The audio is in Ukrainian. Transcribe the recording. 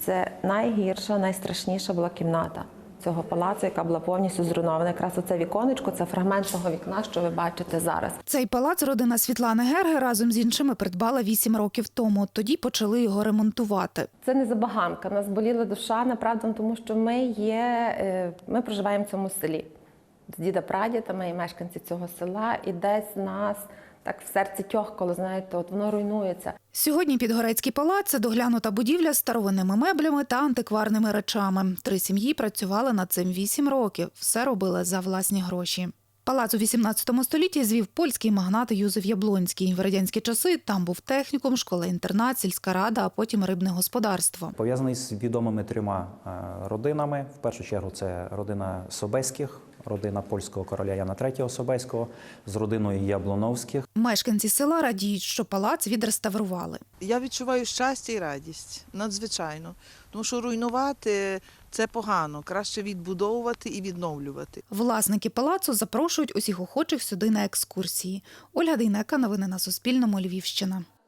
це найгірша, найстрашніша була кімната цього палацу, яка була повністю зруйнована. Якраз оце віконечко, це фрагмент того вікна, що ви бачите зараз. Цей палац родина Світлани Герги разом з іншими придбала 8 років тому. Тоді почали його ремонтувати. Це не забаганка. Нас боліла душа, направду, тому що ми проживаємо в цьому селі. З діда-прадіда, ми є мешканці цього села, і десь нас так в серці тьохкало, знаєте, от воно руйнується. Сьогодні Підгорецький палац – це доглянута будівля з старовинними меблями та антикварними речами. 3 сім'ї працювали над цим 8 років. Все робили за власні гроші. Палац у 18 столітті звів польський магнат Юзеф Яблонський. В радянські часи там був технікум, школа-інтернат, сільська рада, а потім рибне господарство. Пов'язаний з відомими 3 родинами. В першу чергу це родина Собеських, родина польського короля Яна III Собеського, з родиною Яблоновських. Мешканці села радіють, що палац відреставрували. Я відчуваю щастя і радість, надзвичайно. Тому що руйнувати – це погано, краще відбудовувати і відновлювати. Власники палацу запрошують усіх охочих сюди на екскурсії. Ольга Дейнека, новини на Суспільному, Львівщина.